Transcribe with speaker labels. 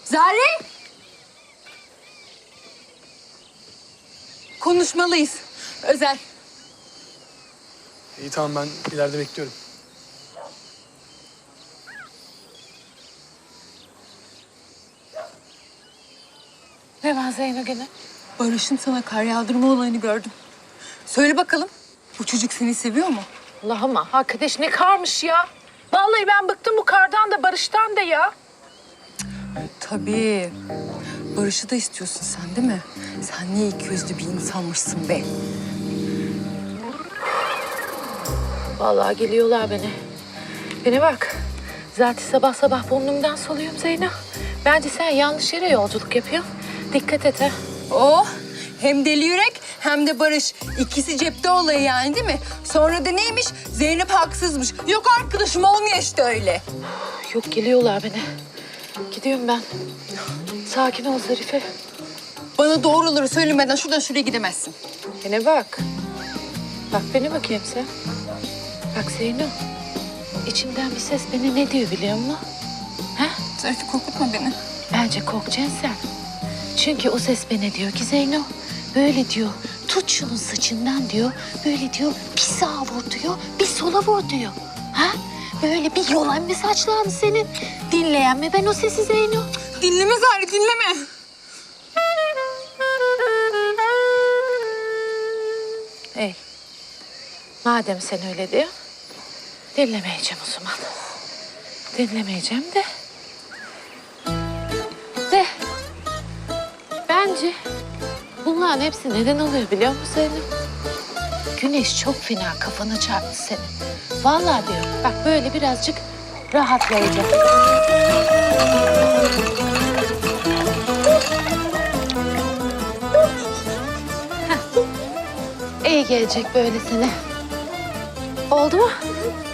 Speaker 1: Zare! Konuşmalıyız. Özel.
Speaker 2: İyi tamam, ben ileride bekliyorum.
Speaker 3: Ne var Zeyno gene?
Speaker 1: Barış'ın sana kar yağdırma olayını gördüm. Söyle bakalım, bu çocuk seni seviyor mu?
Speaker 3: Allah'ım arkadaş ne karmış ya. Vallahi ben bıktım bu kardan da Barış'tan da ya.
Speaker 1: Tabii. Barış'ı da istiyorsun sen değil mi? Sen niye iki yüzlü bir insanmışsın be?
Speaker 3: Vallahi geliyorlar beni. Bana bak. Zaten sabah sabah burnumdan soluyorum Zeyno. Bence sen yanlış yere yolculuk yapıyorsun. Dikkat et ha.
Speaker 1: Oh! Hem deli yürek hem de Barış. İkisi cepte olayı yani değil mi? Sonra da neymiş? Zeynep haksızmış. Yok arkadaşım olmuyor işte öyle.
Speaker 3: Yok geliyorlar beni. Gidiyorum ben. Sakin ol Zarife.
Speaker 1: Bana doğruları söylemeden şuradan şuraya gidemezsin.
Speaker 3: Bana bak. Bak bana bakayım sen. Bak Zeyno. İçimden bir ses beni ne diyor biliyor musun? Ha?
Speaker 1: Zarife korkutma beni.
Speaker 3: Bence korkacaksın sen. Çünkü o ses bana diyor ki Zeyno, böyle diyor, tut şunun saçından diyor, böyle diyor, bir sağa vur diyor, bir sola vur diyor. Ha? Böyle bir yolan mı saçlarını senin? Dinleyen mi ben o sesi Zeyno?
Speaker 1: Dinleme Zari, dinleme.
Speaker 3: Ey, madem sen öyle diyor, dinlemeyeceğim o zaman. Dinlemeyeceğim de. Bence bunların hepsi neden oluyor biliyor musun Zeynep? Güneş çok fena kafana çarptı senin. Vallahi diyorum bak böyle birazcık rahatlayacak. Heh. İyi gelecek böyle sana. Oldu mu?